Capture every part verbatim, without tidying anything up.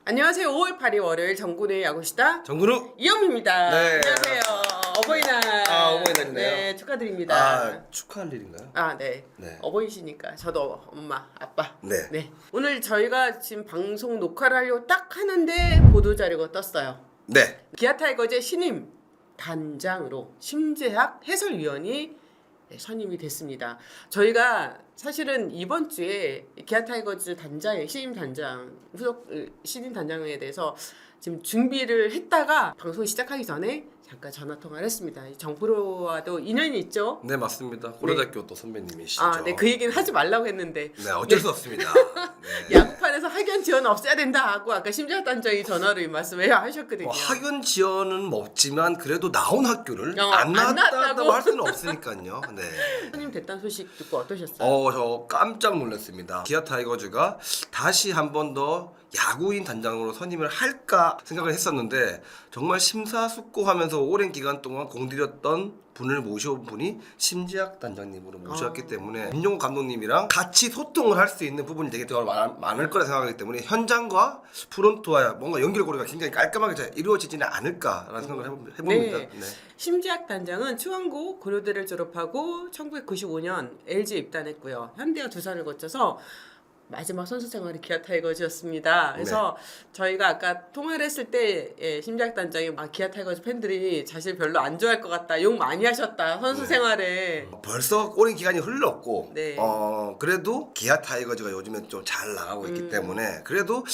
안녕하세요. 오월 팔일 월요일 정군의 야구시다 정근우. 이영미입니다. 네. 안녕하세요. 어버이날. 아, 어버이날이네요. 네, 축하드립니다. 아, 축하할 일인가요? 아, 네. 네. 어버이시니까 저도 엄마, 아빠. 네. 오늘 저희가 지금 방송 녹화를 하려고 딱 하는데 보도 자료가 떴어요. 네. 기아 타이거즈의 신임 단장으로 심재학 해설위원이 선임이 됐습니다. 저희가 사실은 이번 주에 기아 타이거즈 단장의 신임 단장 후속 신임 단장에 대해서 지금 준비를 했다가 방송 시작하기 전에 잠깐 전화 통화를 했습니다. 정프로와도 인연이 있죠? 네, 맞습니다. 고려대학교 또 선배님이시죠. 아, 네, 그 얘기는 하지 말라고 했는데. 네, 어쩔 네. 수 없습니다. 네. 야구판에서 학연 지원 없애야 된다 하고 아까 심재학 단장이 전화로 이 말씀을 하셨거든요. 뭐 학연 지원은 없지만 그래도 나온 학교를 어, 안 안 나왔다고 나왔다고? 할 수는 없으니까요. 네. 선임 됐다는 소식 듣고 어떠셨어요? 어, 저 깜짝 놀랐습니다. 기아 타이거즈가 다시 한 번 더 야구인 단장으로 선임을 할까 생각을 했었는데 정말 심사숙고하면서 오랜 기간 동안 공들였던 분을 모셔온 분이 심지학 단장님으로 모셨기 아. 때문에 김용호 감독님이랑 같이 소통을 할 수 있는 부분이 되게 더 많, 많을 거라 생각하기 때문에 현장과 프론트와 뭔가 연결고리가 굉장히 깔끔하게 잘 이루어지지는 않을까라는 생각을 해봅- 해봅니다. 네. 네. 심지학 단장은 추한고 고려대를 졸업하고 천구백구십오 년 엘지에 입단했고요. 현대와 두산을 거쳐서 마지막 선수 생활이 기아 타이거즈였습니다. 그래서 저희가 아까 통화를 했을 때 예, 심지학 단장이 막 기아 타이거즈 팬들이 자신 별로 안 좋아할 것 같다. 욕 많이 하셨다. 선수 네. 생활에. 벌써 오랜 기간이 흘렀고 네. 어 그래도 기아 타이거즈가 요즘에 좀 잘 나가고 있기 음. 때문에 그래도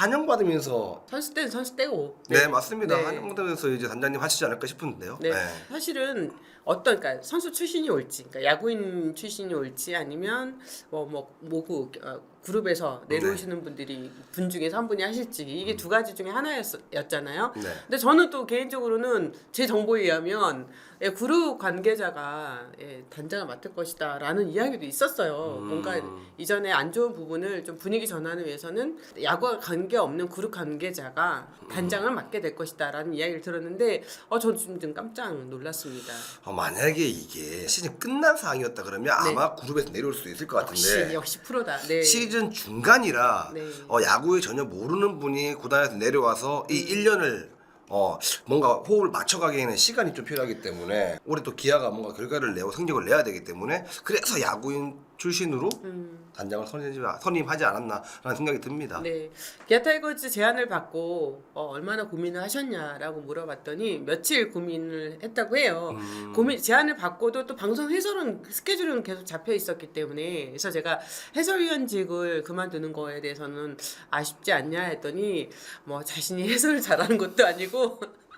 환영받으면서 선수 때는 선수 때고. 네, 맞습니다. 네. 환영받으면서 이제 단장님 하시지 않을까 싶은데요. 네. 사실은 어떤 그러니까 선수 출신이 올지, 그러니까 야구인 출신이 올지 아니면 뭐 뭐 모구 어, 그룹에서 내려오시는 분들이 분 중에서 한 분이 하실지 이게 두 가지 중에 하나였잖아요. 네. 근데 저는 또 개인적으로는 제 정보에 의하면 예, 그룹 관계자가 예, 단장을 맡을 것이다라는 이야기도 있었어요. 음. 뭔가 이전에 안 좋은 부분을 좀 분위기 전환을 위해서는 야구와 관계 없는 그룹 관계자가 단장을 맡게 될 것이다라는 이야기를 들었는데 어, 저 좀 좀 깜짝 놀랐습니다. 어, 만약에 이게 시즌 끝난 상황이었다 그러면 네. 아마 그룹에서 내려올 수도 있을 것 역시 같은데 역시 프로다. 네. 시즌 중간이라 네. 어, 야구에 전혀 모르는 분이 구단에서 내려와서 이 음. 일 년을 어 뭔가 호흡을 맞춰가기에는 시간이 좀 필요하기 때문에 올해 또 기아가 뭔가 결과를 내고 성적을 내야 되기 때문에 그래서 야구인 출신으로 음. 단장을 선임하지, 선임하지 않았나라는 생각이 듭니다. 네, 기아 타이거즈 제안을 받고 어, 얼마나 고민을 하셨냐라고 물어봤더니 며칠 고민을 했다고 해요. 음. 고민 제안을 받고도 또 방송 해설은 스케줄은 계속 잡혀 있었기 때문에 그래서 제가 해설위원직을 그만두는 거에 대해서는 아쉽지 않냐 했더니 뭐 자신이 해설을 잘하는 것도 아니고.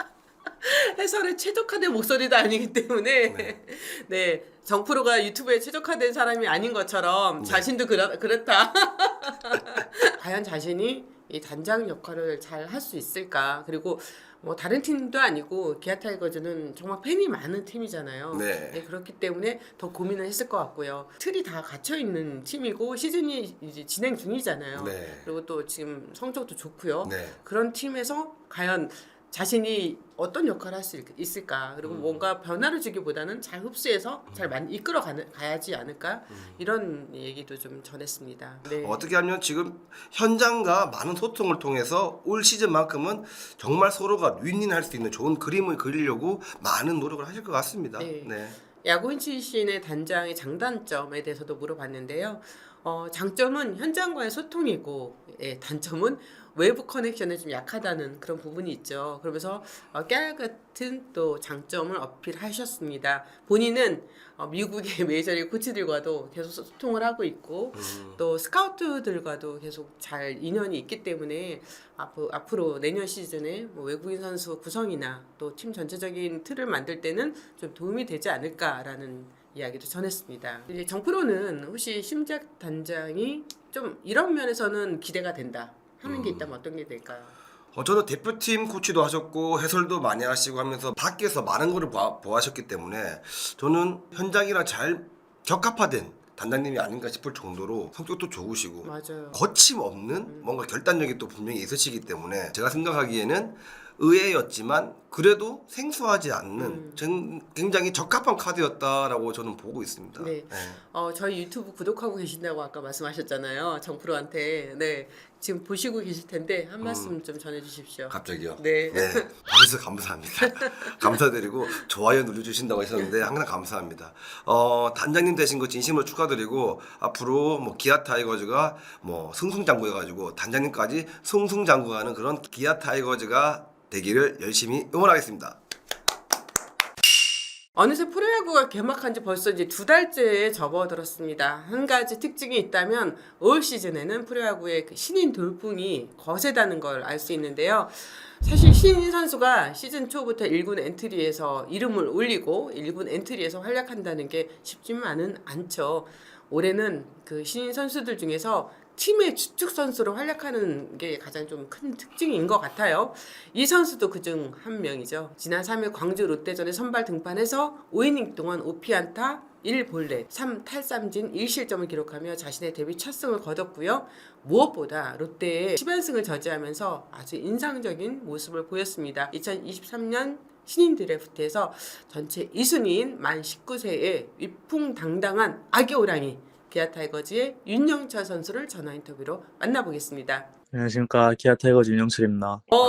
해설에 최적화된 목소리도 아니기 때문에 네, 네. 정프로가 유튜브에 최적화된 사람이 아닌 것처럼 네. 자신도 그렇, 그렇다. 과연 자신이 이 단장 역할을 잘 할 수 있을까? 그리고 뭐 다른 팀도 아니고 기아 타이거즈는 정말 팬이 많은 팀이잖아요. 네. 그렇기 때문에 더 고민을 했을 것 같고요. 틀이 다 갇혀 있는 팀이고 시즌이 이제 진행 중이잖아요. 네. 그리고 또 지금 성적도 좋고요. 네. 그런 팀에서 과연 자신이 어떤 역할을 할 수 있을까 그리고 음. 뭔가 변화를 주기보다는 잘 흡수해서 잘 만, 이끌어 가는, 가야지 않을까 음. 이런 얘기도 좀 전했습니다. 네. 어떻게 하면 지금 현장과 많은 소통을 통해서 올 시즌만큼은 정말 서로가 윈윈할 수 있는 좋은 그림을 그리려고 많은 노력을 하실 것 같습니다. 네. 네. 야구인 출신의 단장의 장단점에 대해서도 물어봤는데요. 어, 장점은 현장과의 소통이고 예, 단점은 외부 커넥션에 좀 약하다는 그런 부분이 있죠. 그러면서 어, 깨알 같은 또 장점을 어필하셨습니다. 본인은 어, 미국의 메이저리그 코치들과도 계속 소통을 하고 있고 음. 또 스카우트들과도 계속 잘 인연이 있기 때문에 앞으로, 앞으로 내년 시즌에 뭐 외국인 선수 구성이나 또 팀 전체적인 틀을 만들 때는 좀 도움이 되지 않을까라는 이야기도 전했습니다. 이제 정프로는 혹시 심작 단장이 좀 이런 면에서는 기대가 된다 하는 게 있다면 어떤 게 될까요? 어, 저는 대표팀 코치도 하셨고 해설도 많이 하시고 하면서 밖에서 많은 거를 보아, 보아하셨기 때문에 저는 현장이랑 잘 적합화된 단장님이 아닌가 싶을 정도로 성격도 좋으시고 맞아요. 거침없는 뭔가 결단력이 또 분명히 있으시기 때문에 제가 생각하기에는 의외였지만 그래도 생소하지 않는 음. 전 굉장히 적합한 카드였다라고 저는 보고 있습니다. 네. 어, 저희 유튜브 구독하고 계신다고 아까 말씀하셨잖아요. 정프로한테. 네. 지금 보시고 계실 텐데 한 말씀 좀 전해 주십시오. 갑자기요? 네. 봐주셔서 감사합니다. 감사드리고 좋아요 눌러주신다고 하셨는데 항상 감사합니다. 어, 단장님 되신 거 진심으로 축하드리고 앞으로 뭐 기아 타이거즈가 뭐 승승장구해가지고 단장님까지 승승장구하는 그런 기아 타이거즈가 되기를 열심히 응원하겠습니다. 어느새 프로야구가 개막한 지 벌써 이제 두 달째에 접어들었습니다. 한 가지 특징이 있다면 올 시즌에는 프로야구의 그 신인 돌풍이 거세다는 걸 알 수 있는데요. 사실 신인 선수가 시즌 초부터 일 군 엔트리에서 이름을 올리고 일 군 엔트리에서 활약한다는 게 쉽지만은 않죠. 올해는 그 신인 선수들 중에서 팀의 주축 선수로 활약하는 게 가장 좀 큰 특징인 것 같아요. 이 선수도 그중 한 명이죠. 지난 삼 일 광주 롯데전에 선발 등판해서 오 이닝 동안 오 피안타 일 볼넷 삼 탈삼진 일 실점을 기록하며 자신의 데뷔 첫 승을 거뒀고요. 무엇보다 롯데의 십 연승을 저지하면서 아주 인상적인 모습을 보였습니다. 이천이십삼 년 신인 드래프트에서 전체 이 순위인 만 십구 세의 위풍당당한 아기 호랑이 기아 타이거즈의 윤영철 선수를 전화 인터뷰로 만나보겠습니다. 안녕하십니까. 기아 타이거즈 윤영철입니다. 오.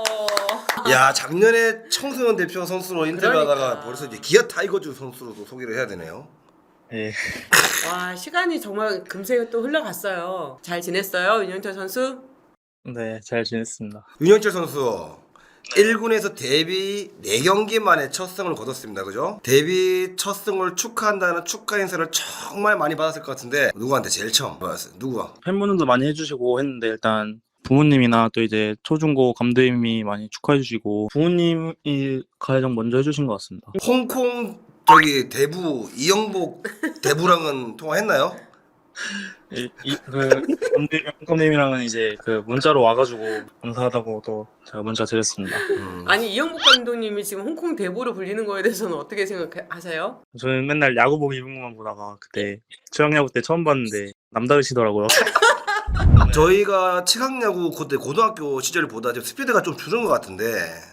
야, 작년에 청소년 대표 선수로 인터뷰하다가 그러니까. 벌써 이제 기아 타이거즈 선수로도 소개를 해야 되네요. 예. 와, 시간이 정말 금세 또 흘러갔어요. 잘 지냈어요, 윤영철 선수? 네, 잘 지냈습니다. 윤영철 선수 일 군에서 데뷔 네 경기 만에 첫 승을 거뒀습니다. 그죠? 데뷔 첫 승을 축하한다는 축하 인사를 정말 많이 받았을 것 같은데 누구한테 제일 처음 받았어요? 누구가? 팬분들도 많이 해주시고 했는데 일단 부모님이나 또 이제 초중고 감독님이 많이 축하해주시고 부모님이 가장 먼저 해주신 것 같습니다. 홍콩 저기 대부 이영복 대부랑은 통화했나요? 이, 이, 그 감독님, 감독님이랑은 이제 그 문자로 와가지고 감사하다고 또 제가 문자 드렸습니다. 음. 아니, 이영복 감독님이 지금 홍콩 대보로 불리는 거에 대해서는 어떻게 생각하세요? 저는 맨날 야구복 입은 것만 보다가 그때 중학야구 때 처음 봤는데 남다르시더라고요. 저희가 치각야구 그때 고등학교 시절 보다 좀 스피드가 좀 줄은 것 같은데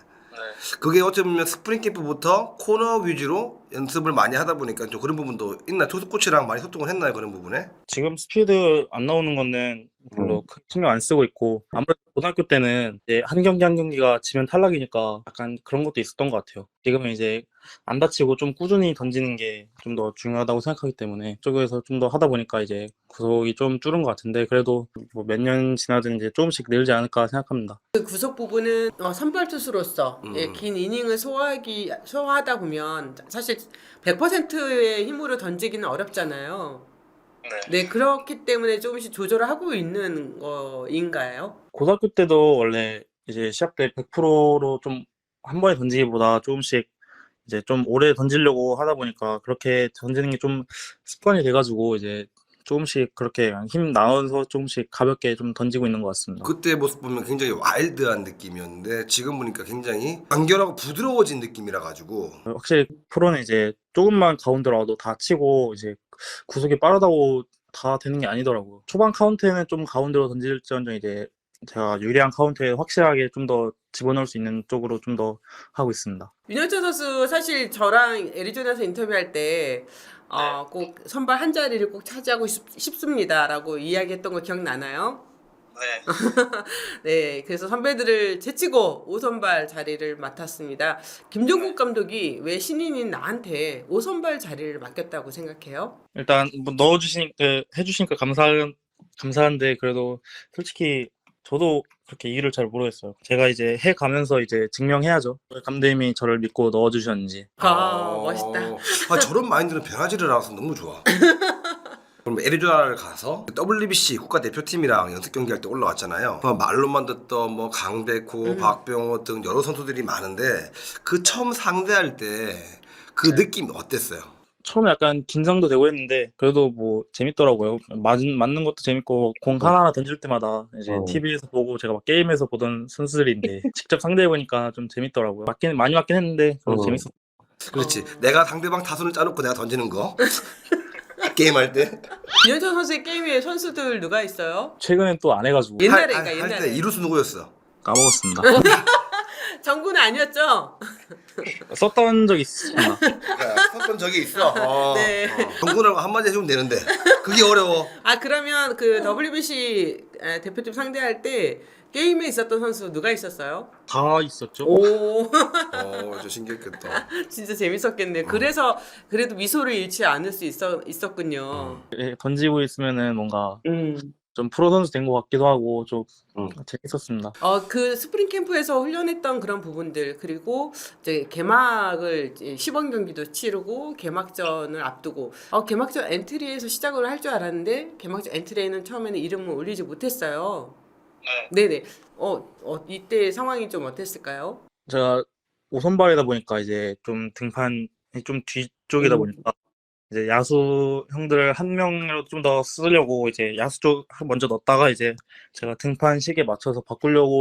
그게 어찌 보면 스프링 캠프부터 코너 위주로 연습을 많이 하다 보니까 좀 그런 부분도 있나? 투수 코치랑 많이 소통을 했나요? 그런 부분에? 지금 스피드 안 나오는 거는 별로 크게 신경 안 쓰고 있고 아무래도 고등학교 때는 이제 한 경기 한 경기가 지면 탈락이니까 약간 그런 것도 있었던 것 같아요. 지금은 이제 안 다치고 좀 꾸준히 던지는 게 좀 더 중요하다고 생각하기 때문에 쪽에서 좀 더 하다 보니까 이제 구속이 좀 줄은 것 같은데 그래도 뭐 몇 년 지나든 이제 조금씩 늘지 않을까 생각합니다. 그 구속 부분은 어, 선발 투수로서 음. 예, 긴 이닝을 소화하기 소화하다 보면 사실 백 퍼센트의 힘으로 던지기는 어렵잖아요. 네, 그렇기 때문에 조금씩 조절을 하고 있는 거인가요? 고등학교 때도 원래 이제 시합 때 백 퍼센트로 좀 한 번에 던지기보다 조금씩 이제 좀 오래 던지려고 하다 보니까 그렇게 던지는 게 좀 습관이 돼가지고 이제 조금씩 그렇게 힘 나눠서 조금씩 가볍게 좀 던지고 있는 것 같습니다. 그때 모습 보면 굉장히 와일드한 느낌이었는데 지금 보니까 굉장히 간결하고 부드러워진 느낌이라 가지고 확실히 프로는 이제 조금만 가운데로 와도 다 치고 이제 구속이 빠르다고 다 되는 게 아니더라고요. 초반 카운트에는 좀 가운데로 던질지언정 이제 제가 유리한 카운트에 확실하게 좀 더 집어넣을 수 있는 쪽으로 좀 더 하고 있습니다. 윤영철 선수 사실 저랑 애리조나에서 인터뷰할 때 어, 꼭 선발 한 자리를 꼭 차지하고 싶, 싶습니다라고 이야기했던 거 기억나나요? 네. 네, 그래서 선배들을 제치고 오 선발 자리를 맡았습니다. 김종국 감독이 왜 신인인 나한테 오 선발 자리를 맡겼다고 생각해요? 일단 뭐 넣어주시니까 해주시니까 감사 감사한데 그래도 솔직히 저도 그렇게 이유를 잘 모르겠어요. 제가 이제 해 가면서 이제 증명해야죠. 감독님이 저를 믿고 넣어주셨는지. 아, 어, 멋있다. 아, 저런 마인드는 변하지를 않아서 너무 좋아. 그럼 애리조나를 가서 더블유비씨 국가대표팀이랑 연습 경기할 때 올라왔잖아요. 뭐 말로만 듣던 뭐 강백호, 음. 박병호 등 여러 선수들이 많은데 그 처음 상대할 때 그 느낌 어땠어요? 처음에 약간 긴장도 되고 했는데 그래도 뭐 재밌더라고요. 맞는 맞는 것도 재밌고 공 하나하나 던질 때마다 이제 어. 티비에서 보고 제가 막 게임에서 보던 선수들인데 직접 상대해 보니까 좀 재밌더라고요. 맞긴 많이 맞긴 했는데 그래도 어. 재밌었. 그렇지. 내가 상대방 타선을 짜놓고 내가 던지는 거. 게임할 때. 윤영철 선수의 게임에 선수들 누가 있어요? 최근엔 또 안 해가지고 옛날에 할- 그러니까 할 옛날에. 때 이루수 누구였어? 까먹었습니다. 정구는 아니었죠? 썼던 적이 있습니다. 야, 썼던 적이 있어. 어, 네. 어. 정군하고 한마디 해주면 되는데 그게 어려워. 아 그러면 그 더블유비씨 에, 대표팀 상대할 때 게임에 있었던 선수 누가 있었어요? 다 있었죠. 오 어, 저 신기했겠다. 진짜 재밌었겠네요. 그래서 그래도 미소를 잃지 않을 수 있어, 있었군요. 예, 던지고 있으면은 뭔가 음. 좀 프로 선수 된 것 같기도 하고 좀 음. 재밌었습니다. 어, 그 스프링 캠프에서 훈련했던 그런 부분들 그리고 이제 개막을 이제 시범 경기도 치르고 개막전을 앞두고 어, 개막전 엔트리에서 시작을 할 줄 알았는데 개막전 엔트리에는 처음에는 이름을 올리지 못했어요. 네네. 어, 어 이때 상황이 좀 어땠을까요? 제가 오선발이다 보니까 이제 좀 등판이 좀 뒤쪽이다 음. 보니까 이제 야수 형들 한 명이라도 좀 더 쓰려고 이제 야수 쪽 먼저 넣었다가 이제 제가 등판 시기에 맞춰서 바꾸려고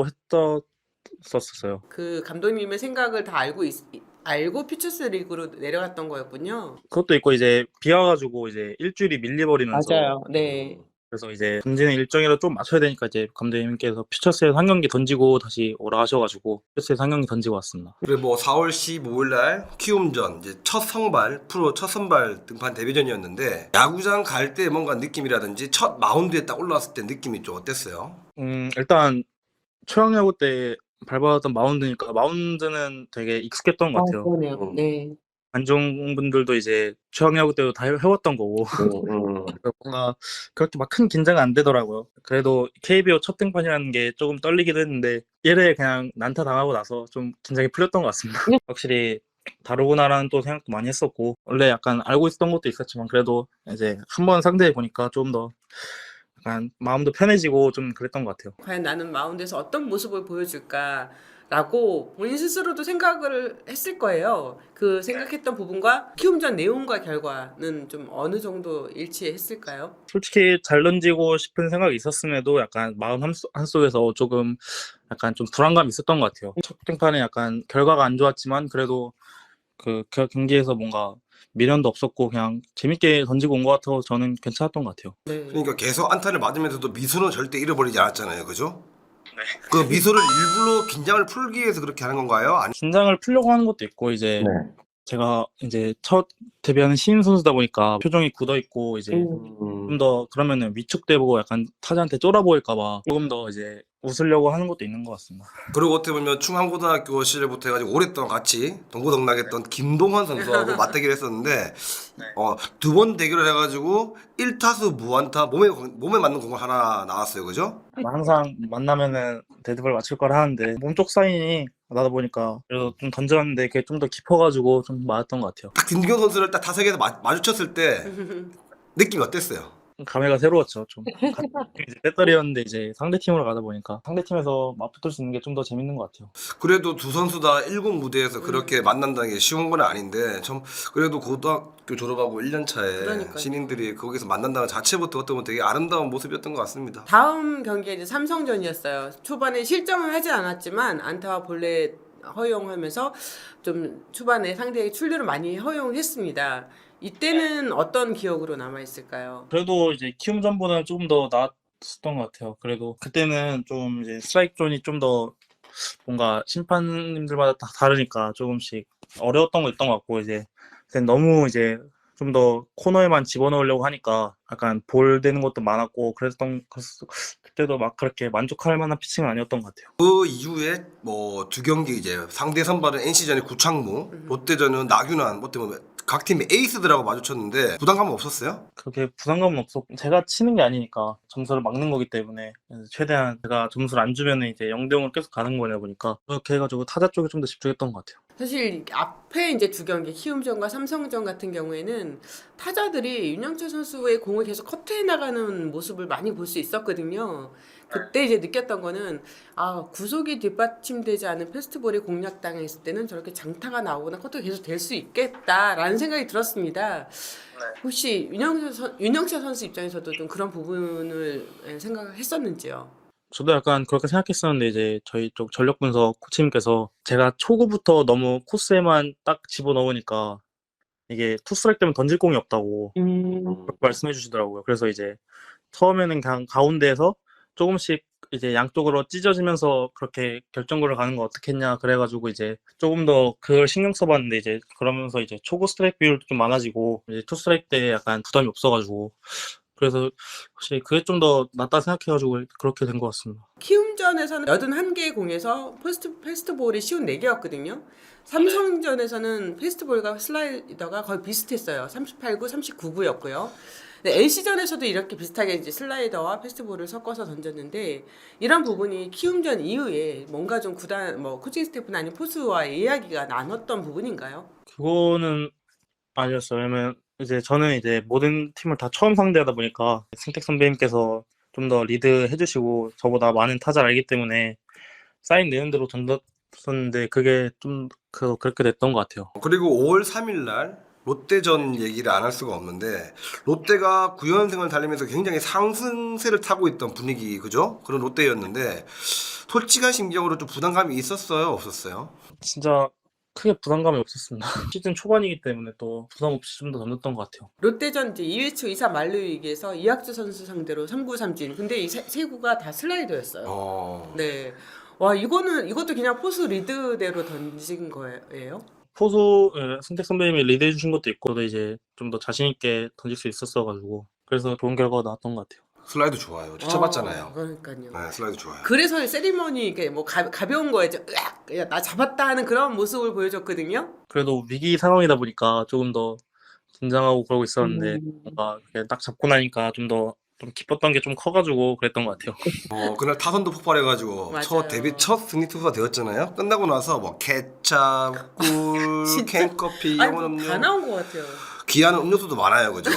했었었어요. 그 감독님의 생각을 다 알고 있, 알고 퓨처스 리그로 내려갔던 거였군요. 그것도 있고 이제 비 와가지고 이제 일주일이 밀려버리면서 네. 그래서 이제 던지는 일정이라도 좀 맞춰야 되니까 이제 감독님께서 퓨처스에서 한 경기 던지고 다시 오라 하셔가지고 퓨처스에서 한 경기 던지고 왔습니다. 그리고 뭐 사월 십오일 날 키움전 이제 첫 선발 프로 첫 선발 등판 데뷔전이었는데 야구장 갈 때 뭔가 느낌이라든지 첫 마운드에 딱 올라왔을 때 느낌이 좀 어땠어요? 음 일단 초양야구 때 밟았던 마운드니까 마운드는 되게 익숙했던 것 같아요. 그러네요. 네. 관중분들도 이제 초양야구 때도 다 해- 해왔던 거고 그래서 뭔가 그렇게 막 큰 긴장은 안 되더라고요. 그래도 케이비오 첫 등판이라는 게 조금 떨리기도 했는데 일 회 그냥 난타 당하고 나서 좀 긴장이 풀렸던 것 같습니다. 확실히 다르구나라는 또 생각도 많이 했었고 원래 약간 알고 있었던 것도 있었지만 그래도 이제 한번 상대해 보니까 좀 더 약간 마음도 편해지고 좀 그랬던 것 같아요. 과연 나는 마운드에서 어떤 모습을 보여줄까라고 본인 스스로도 생각을 했을 거예요. 그 생각했던 부분과 키움전 내용과 결과는 좀 어느 정도 일치했을까요? 솔직히 잘 던지고 싶은 생각이 있었음에도 약간 마음 한소, 한속에서 조금 약간 좀 불안감이 있었던 것 같아요. 첫 등판에 약간 결과가 안 좋았지만 그래도 그 겨- 경기에서 뭔가 미련도 없었고 그냥 재밌게 던지고 온 것 같아서 저는 괜찮았던 것 같아요. 네. 그러니까 계속 안타를 맞으면서도 미소는 절대 잃어버리지 않았잖아요, 그죠? 그 미소를 일부러 긴장을 풀기 위해서 그렇게 하는 건가요? 아니, 긴장을 풀려고 하는 것도 있고 이제 제가 이제 첫 데뷔하는 신인 선수다 보니까 표정이 굳어 있고 이제 좀 더 그러면은 위축돼 보고 약간 타자한테 쫄아 보일까봐 조금 더 이제 웃으려고 하는 것도 있는 것 같습니다. 그리고 어떻게 보면 충암고등학교 시절부터 해가지고 오랫동안 같이 동고동락했던 김동환 선수하고 맞대결을 했었는데 어, 두 번 대결을 해가지고 일 타수 무안타 몸에 몸에 맞는 공을 하나 나왔어요, 그죠? 항상 만나면은 데드볼 맞출 거라 하는데 몸쪽 사인이 나다 보니까 그래도 좀 던졌는데 그게 좀 더 깊어가지고 좀 맞았던 것 같아요. 딱 김기현 선수를 딱 타석에서 마, 마주쳤을 때 느낌이 어땠어요? 감회가 새로웠죠. 좀 같은 이제 배터리였는데 이제 상대 팀으로 가다 보니까 상대 팀에서 맞붙을 수 있는 게 좀 더 재밌는 것 같아요. 그래도 두 선수 다 일 군 무대에서 그렇게 만난다는 게 쉬운 건 아닌데 참 그래도 고등학교 졸업하고 일 년 차에 그러니까요. 신인들이 거기서 만난다는 자체부터 어떻게 보면 되게 아름다운 모습이었던 것 같습니다. 다음 경기가 이제 삼성전이었어요. 초반에 실점을 하지 않았지만 안타와 볼넷 허용하면서 좀 초반에 상대에게 출루를 많이 허용했습니다. 이때는 어떤 기억으로 남아 있을까요? 그래도 이제 키움전보다는 조금 더 나았었던 것 같아요. 그래도 그때는 좀 이제 스트라이크 존이 좀 더 뭔가 심판님들마다 다 다르니까 조금씩 어려웠던 거 있던 것 같고 이제 그때 너무 이제 좀 더 코너에만 집어넣으려고 하니까 약간 볼 되는 것도 많았고 그랬던 그래서 그때도 막 그렇게 만족할 만한 피칭은 아니었던 것 같아요. 그 이후에 뭐 두 경기 이제 상대 선발은 엔씨전의 구창모, 롯데전은 나균환, 뭐 때문에 각 팀의 에이스들하고 마주쳤는데 부담감은 없었어요? 그렇게 부담감은 없었고 제가 치는 게 아니니까 점수를 막는 거기 때문에 그래서 최대한 제가 점수를 안 주면 이제 영 대 영으로 계속 가는 거냐 보니까 그렇게 해가지고 타자 쪽에 좀 더 집중했던 것 같아요. 사실 앞에 이제 두 경기 키움전과 삼성전 같은 경우에는 타자들이 윤영철 선수의 공을 계속 커트해 나가는 모습을 많이 볼 수 있었거든요. 그때 이제 느꼈던 거는 아 구속이 뒷받침되지 않은 패스트볼이 공략당했을 때는 저렇게 장타가 나오거나 커트가 계속 될 수 있겠다라는 생각이 들었습니다. 혹시 윤영철, 선, 윤영철 선수 입장에서도 좀 그런 부분을 생각했었는지요? 저도 약간 그렇게 생각했었는데 이제 저희 쪽 전력 분석 코치님께서 제가 초구부터 너무 코스에만 딱 집어넣으니까 이게 투스트라이크 때문에 던질 공이 없다고 그렇게 말씀해 주시더라고요. 그래서 이제 처음에는 그냥 가운데에서 조금씩 이제 양쪽으로 찢어지면서 그렇게 결정구를 가는 거 어떻겠냐 그래가지고 이제 조금 더 그걸 신경 써봤는데 이제 그러면서 이제 초구 스트라이크 비율도 좀 많아지고 이제 투 스트라이크 때 약간 부담이 없어가지고 그래서 확실히 그게 좀 더 낫다 생각해가지고 그렇게 된 것 같습니다. 키움전에서는 팔십일 개의 공에서 포스트, 패스트볼이 오십사 개였거든요. 삼성전에서는 패스트볼과 슬라이더가 거의 비슷했어요. 삼십팔 구, 삼십구 구였고요. 엔씨전에서도 이렇게 비슷하게 이제 슬라이더와 패스트볼을 섞어서 던졌는데 이런 부분이 키움전 이후에 뭔가 좀 구단 뭐 코칭 스태프나 아니면 포수와의 이야기가 나눴던 부분인가요? 그거는 아니었어요. 왜냐면 이제 저는 이제 모든 팀을 다 처음 상대하다 보니까 승택 선배님께서 좀 더 리드 해주시고 저보다 많은 타자를 알기 때문에 사인 내는 대로 던졌었는데 그게 좀 그, 그렇게 됐던 것 같아요. 그리고 오월 삼일 날 롯데전 얘기를 안 할 수가 없는데 롯데가 구 연승을 달리면서 굉장히 상승세를 타고 있던 분위기 그죠? 그런 롯데였는데 솔직한 심경으로 좀 부담감이 있었어요? 없었어요? 진짜 크게 부담감이 없었습니다. 시즌 초반이기 때문에 또 부담 없이 좀 더 던졌던 것 같아요. 롯데전 이제 이 회초 이 사 만루위기에서 이학주 선수 상대로 삼 구 삼진. 근데 이 세, 세 구가 다 슬라이더였어요. 어... 네. 와 이거는 이것도 그냥 포수 리드대로 던진 거예요? 포수 예, 승택 선배님이 리드해 주신 것도 있고 저도 이제 좀 더 자신 있게 던질 수 있었어가지고 그래서 좋은 결과가 나왔던 것 같아요. 슬라이드 좋아요. 쳐봤잖아요. 어, 그러니까요. 네, 슬라이드 좋아요. 그래서 세리머니 이게 뭐 가, 가벼운 거에 으악 야, 나 잡았다 하는 그런 모습을 보여줬거든요. 그래도 위기 상황이다 보니까 조금 더 긴장하고 그러고 있었는데 음. 뭔가 이렇게 딱 잡고 나니까 좀 더 좀 기뻤던 게 좀 커가지고 그랬던 것 같아요. 어 그날 타선도 폭발해가지고 맞아요. 첫 데뷔 첫 승리 투수가 되었잖아요. 끝나고 나서 뭐 케찹, 꿀, 진짜? 캔커피, 아니 영원 뭐 음료, 다 나온 것 같아요. 귀한 음료수도 많아요, 그죠?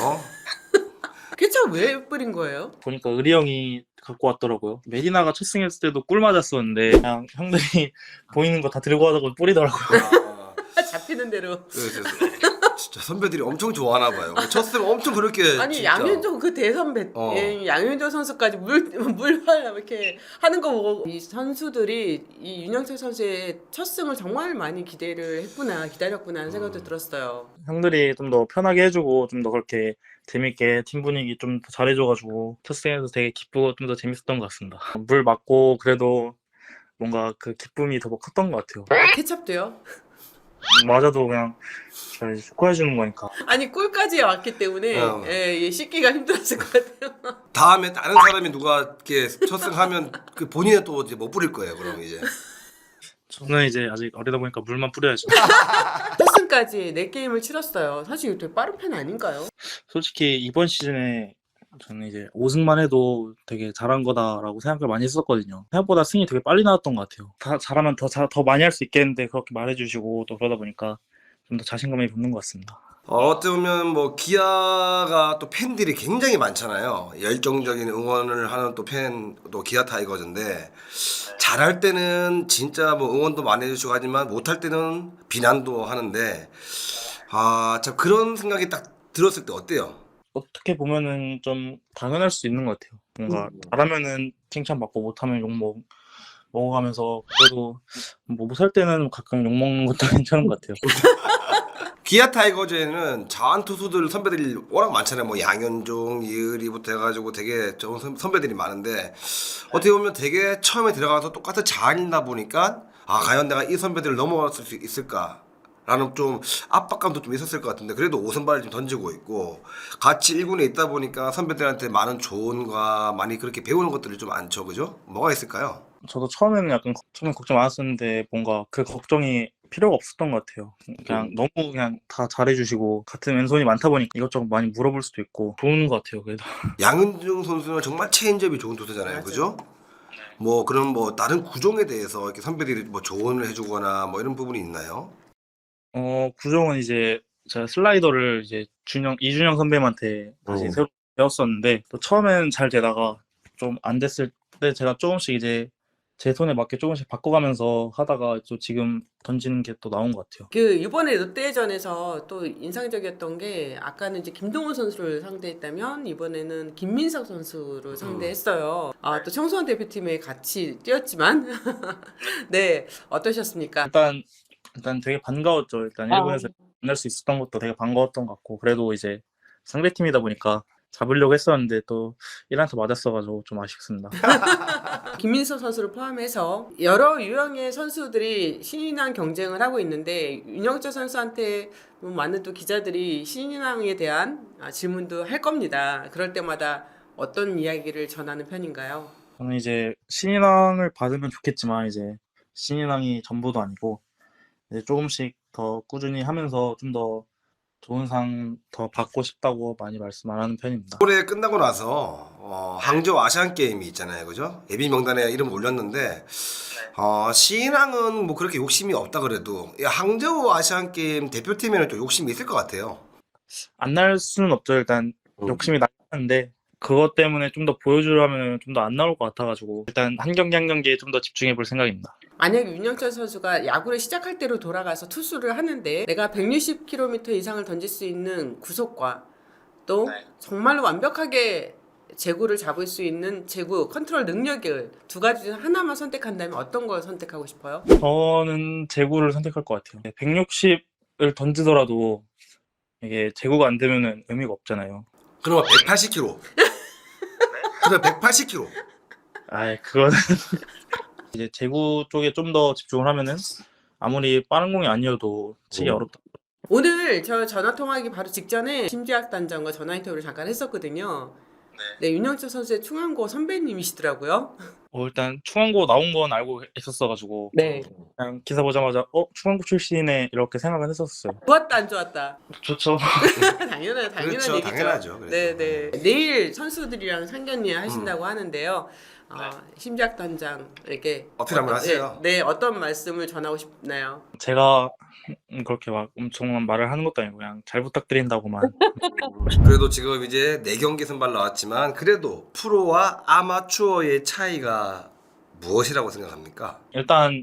케첩 왜 뿌린 거예요? 보니까 의리 형이 갖고 왔더라고요. 메디나가 첫 승했을 때도 꿀 맞았었는데 그냥 형들이 보이는 거 다 들고 와서 뿌리더라고요. 아, 잡히는 대로. 그래서 진짜 선배들이 엄청 좋아하나 봐요. 첫승 엄청 그렇게 아니 진짜. 양현종 그 대선배 어. 예, 양현종 선수까지 물물 이렇게 하는 거 보고 이 선수들이 이 윤영철 선수의 첫 승을 정말 많이 기대를 했구나 기다렸구나 하는 생각도 음. 들었어요. 형들이 좀 더 편하게 해주고 좀 더 그렇게 재밌게 팀 분위기 좀 더 잘해줘가지고 첫 승에서 되게 기쁘고 좀 더 재밌었던 것 같습니다. 물 맞고 그래도 뭔가 그 기쁨이 더 컸던 것 같아요. 케첩도요? 맞아도 그냥 잘 축하해주는 거니까. 아니 꿀까지 왔기 때문에 어. 예, 예, 씻기가 힘들었을 것 같아요. 다음에 다른 사람이 누가 이렇게 첫승하면 그 본인은 또 이제 못 뿌릴 거예요. 그럼 이제. 저는 이제 아직 어리다 보니까 물만 뿌려야죠. 첫 승까지 네 게임을 치렀어요. 사실 이거 되게 빠른 편 아닌가요? 솔직히 이번 시즌에 저는 이제 오 승만 해도 되게 잘한 거다라고 생각을 많이 했었거든요. 생각보다 승이 되게 빨리 나왔던 것 같아요. 다 잘하면 더, 자, 더 많이 할 수 있겠는데 그렇게 말해주시고 또 그러다 보니까 좀 더 자신감이 붙는 것 같습니다. 어, 어떻게 보면 뭐 기아가 또 팬들이 굉장히 많잖아요. 열정적인 응원을 하는 또 팬, 또 기아 타이거즈인데 잘할 때는 진짜 뭐 응원도 많이 해주시고 하지만 못할 때는 비난도 하는데 아, 참 그런 생각이 딱 들었을 때 어때요? 어떻게 보면은 좀 당연할 수 있는 것 같아요. 뭔가 음. 잘하면은 칭찬받고 못하면 욕 먹, 먹어가면서 그래도 뭐 못할 때는 가끔 욕 먹는 것도 괜찮은 것 같아요. 기아 타이거즈에는 자완 투수들 선배들이 워낙 많잖아요. 뭐 양현종, 이의리부터 해가지고 되게 좋은 선- 선배들이 많은데 어떻게 보면 되게 처음에 들어가서 똑같은 자완이다 보니까 아 과연 내가 이 선배들을 넘어갈 수 있을까? 라는 좀 압박감도 좀 있었을 것 같은데 그래도 오선발을 좀 던지고 있고 같이 일 군에 있다 보니까 선배들한테 많은 조언과 많이 그렇게 배우는 것들이 좀 많죠. 그죠? 뭐가 있을까요? 저도 처음에는 약간 걱- 처음에 걱정 많았었는데 뭔가 그 걱정이 필요가 없었던 것 같아요. 그냥 너무 그냥 다 잘해주시고 같은 왼손이 많다 보니까 이것저것 많이 물어볼 수도 있고 좋은 것 같아요. 그래도 양은종 선수는 정말 체인지업이 좋은 투수잖아요. 맞아요. 그죠? 뭐 그런 뭐 다른 구종에 대해서 이렇게 선배들이 뭐 조언을 해주거나 뭐 이런 부분이 있나요? 어 구종은 이제 제가 슬라이더를 이제 준영 이준영 선배님한테 다시 어. 새로 배웠었는데 또 처음에는 잘 되다가 좀 안 됐을 때 제가 조금씩 이제 제 손에 맞게 조금씩 바꿔가면서 하다가 또 지금 던지는 게 또 나온 것 같아요. 그 이번에 롯데전에서 또 인상적이었던 게 아까는 이제 김동훈 선수를 상대했다면 이번에는 김민석 선수를 상대했어요. 아, 또 청소년 대표팀에 같이 뛰었지만 네 어떠셨습니까? 일단 일단 되게 반가웠죠. 일단 일본에서 만날 수 있었던 것도 되게 반가웠던 것 같고 그래도 이제 상대팀이다 보니까 잡으려고 했었는데 또 일 안타 맞았어가지고 좀 아쉽습니다. 김민서 선수를 포함해서 여러 유형의 선수들이 신인왕 경쟁을 하고 있는데 윤영철 선수한테 뭐 많은 또 기자들이 신인왕에 대한 아, 질문도 할 겁니다. 그럴 때마다 어떤 이야기를 전하는 편인가요? 저는 이제 신인왕을 받으면 좋겠지만 이제 신인왕이 전부도 아니고 이제 조금씩 더 꾸준히 하면서 좀 더 좋은 상 더 받고 싶다고 많이 말씀 안 하는 편입니다. 올해 끝나고 나서 어, 항저우 아시안 게임이 있잖아요, 그죠? 예비 명단에 이름 올렸는데 어, 신인왕은 뭐 그렇게 욕심이 없다 그래도 이 항저우 아시안 게임 대표팀에는 좀 욕심이 있을 것 같아요. 안 날 수는 없죠. 일단 음. 욕심이 나는데 그것 때문에 좀 더 보여주려면 좀 더 안 나올 것 같아가지고 일단 한 경기 한 경기에 좀 더 집중해 볼 생각입니다. 만약에 윤영철 선수가 야구를 시작할 때로 돌아가서 투수를 하는데 내가 백육십 킬로미터 이상을 던질 수 있는 구속과 또 네. 정말로 완벽하게 제구를 잡을 수 있는 제구 컨트롤 능력을 두 가지 중 하나만 선택한다면 어떤 걸 선택하고 싶어요? 저는 제구를 선택할 것 같아요. 백육십을 던지더라도 이게 제구가 안 되면은 의미가 없잖아요. 그러면 백팔십 킬로미터. 그래 백팔십 킬로미터. 아, 그거는 이제 제구 쪽에 좀 더 집중을 하면은 아무리 빠른 공이 아니어도 치기 오. 어렵다. 오늘 저 전화 통화하기 바로 직전에 심지학 단장과 전화 인터뷰를 잠깐 했었거든요. 네, 윤영철 선수의 충암고 선배님이시더라고요. 어, 일단 충암고 나온 건 알고 있었어가지고 네. 그냥 기사 보자마자 어 충암고 출신이네 이렇게 생각은 했었어요. 좋았다 안 좋았다? 좋죠. 당연한 당연한 그렇죠, 얘기죠. 당연하죠. 그래서. 네, 네. 내일 선수들이랑 상견례 하신다고 하는데요. 어, 심지학 단장에게 어필 한번 하세요. 네, 네, 어떤 말씀을 전하고 싶나요? 제가 음, 그렇게 막 엄청 말을 하는 것도 아니고 그냥 잘 부탁드린다고만. 그래도 지금 이제 네 경기 선발 나왔지만 그래도 프로와 아마추어의 차이가 무엇이라고 생각합니까? 일단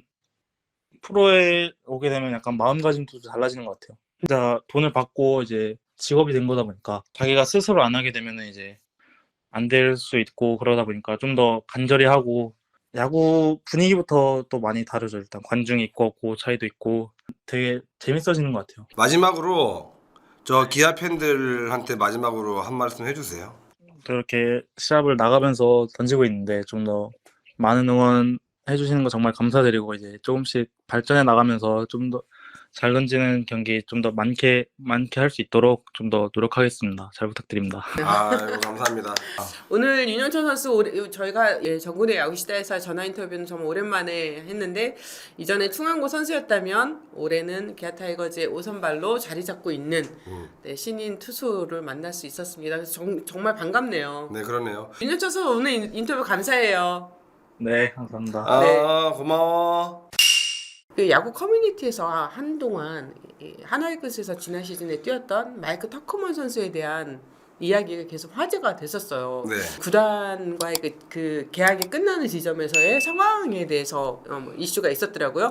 프로에 오게 되면 약간 마음가짐도 달라지는 것 같아요. 진짜 돈을 받고 이제 직업이 된 거다 보니까 자기가 스스로 안 하게 되면은 이제 안 될 수 있고 그러다 보니까 좀 더 간절히 하고 야구 분위기부터 또 많이 다르죠. 일단 관중이 있고 없고 차이도 있고 되게 재밌어지는 것 같아요. 마지막으로 저 기아 팬들한테 마지막으로 한 말씀 해주세요. 그렇게 시합을 나가면서 던지고 있는데 좀 더 많은 응원 해주시는 거 정말 감사드리고 이제 조금씩 발전해 나가면서 좀 더 잘 던지는 경기 좀 더 많게 많게 할 수 있도록 좀 더 노력하겠습니다. 잘 부탁드립니다. 아이고 감사합니다. 오늘 윤영철 선수 오래, 저희가 예, 정군의 야구시대에서 전화 인터뷰는 정말 오랜만에 했는데 이전에 충암고 선수였다면 올해는 기아 타이거즈의 오선발로 자리 잡고 있는 음. 네, 신인 투수를 만날 수 있었습니다. 그래서 정, 정말 반갑네요. 네 그러네요. 윤영철 선수 오늘 인- 인터뷰 감사해요. 네, 감사합니다. 아 네. 고마워. 그 야구 커뮤니티에서 한동안 이 하나이글스에서 지난 시즌에 뛰었던 마이크 터커먼 선수에 대한 이야기가 계속 화제가 됐었어요. 네. 구단과의 그, 그 계약이 끝나는 지점에서의 상황에 대해서 어, 뭐 이슈가 있었더라고요.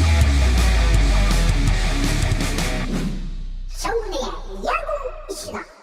정문의 야구 시간